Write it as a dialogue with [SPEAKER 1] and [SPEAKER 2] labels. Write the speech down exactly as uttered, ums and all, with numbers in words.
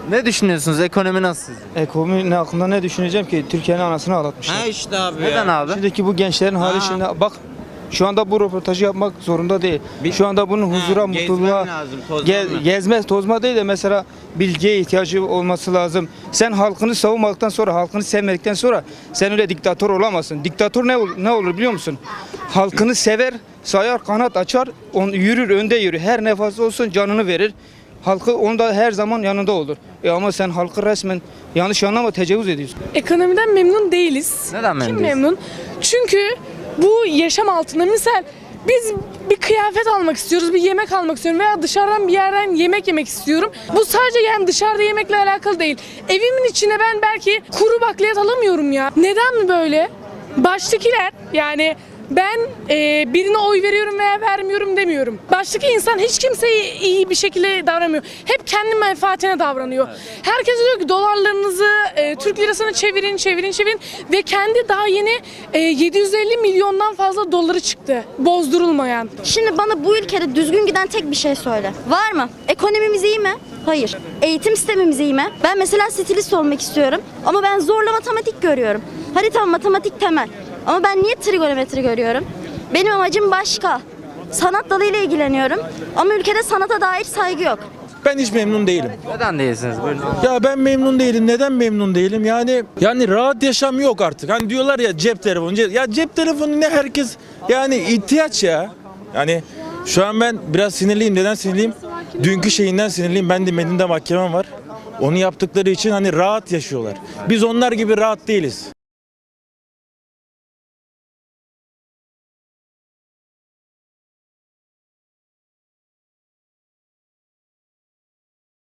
[SPEAKER 1] Ne düşünüyorsunuz? Ekonomi nasıl sizce?
[SPEAKER 2] Ekonomi hakkında ne düşüneceğim ki? Türkiye'nin anasını ağlatmışlar.
[SPEAKER 3] Ha işte abi
[SPEAKER 1] Neden
[SPEAKER 3] ya.
[SPEAKER 1] abi?
[SPEAKER 2] Şimdiki bu gençlerin hali
[SPEAKER 3] Ha.
[SPEAKER 2] şimdi bak şu anda bu röportajı yapmak zorunda değil. Şu anda bunun huzura,
[SPEAKER 3] Ha,
[SPEAKER 2] mutluluğa,
[SPEAKER 3] gezmem lazım, tozmam
[SPEAKER 2] ge-
[SPEAKER 3] lazım.
[SPEAKER 2] gezme, tozma değil de mesela bilgiye ihtiyacı olması lazım. Sen halkını savunmaktan sonra, halkını sevmedikten sonra sen öyle diktatör olamazsın. Diktatör ne, ol- ne olur biliyor musun? Halkını sever, sayar, kanat açar, on, yürür, önde yürür. Her nefası olsun canını verir. Halkı onda her zaman yanında olur. E ama sen halkı resmen yanlış anlama tecavüz ediyorsun.
[SPEAKER 4] Ekonomiden memnun değiliz.
[SPEAKER 1] Neden memnun
[SPEAKER 4] Kim
[SPEAKER 1] değilsin?
[SPEAKER 4] memnun? Çünkü bu yaşam altında misal biz bir kıyafet almak istiyoruz, bir yemek almak istiyorum veya dışarıdan bir yerden yemek yemek istiyorum. Bu sadece yani dışarıda yemekle alakalı değil. Evimin içine ben belki kuru bakliyat alamıyorum ya. Neden mi böyle? Baştakiler yani ben e, birine oy veriyorum veya vermiyorum demiyorum. Baştaki insan hiç kimseye iyi bir şekilde davranmıyor. Hep kendi menfaatine davranıyor. Herkes diyor ki dolarlarınızı e, Türk lirasına çevirin, çevirin, çevirin ve kendi daha yeni e, yedi yüz elli milyondan fazla doları çıktı. Bozdurulmayan.
[SPEAKER 5] Şimdi bana bu ülkede düzgün giden tek bir şey söyle. Var mı? Ekonomimiz iyi mi? Hayır. Eğitim sistemimiz iyi mi? Ben mesela stilist olmak istiyorum ama ben zorla matematik görüyorum. Hadi tamam matematik temel. Ama ben niye trigonometri görüyorum? Benim amacım başka. Sanat dalıyla ilgileniyorum ama ülkede sanata dair saygı yok.
[SPEAKER 6] Ben hiç memnun değilim.
[SPEAKER 1] Neden değilsiniz? Buyurun.
[SPEAKER 6] Ya ben memnun değilim. Neden memnun değilim? Yani yani rahat yaşam yok artık. Hani diyorlar ya cep telefonu. Cep, ya cep telefonu ne herkes yani ihtiyaç ya. Yani şu an ben biraz sinirliyim. Neden sinirliyim? Dünkü şeyinden sinirliyim. Ben de Medin'de mahkemem var. Onu yaptıkları için hani rahat yaşıyorlar. Biz onlar gibi rahat değiliz.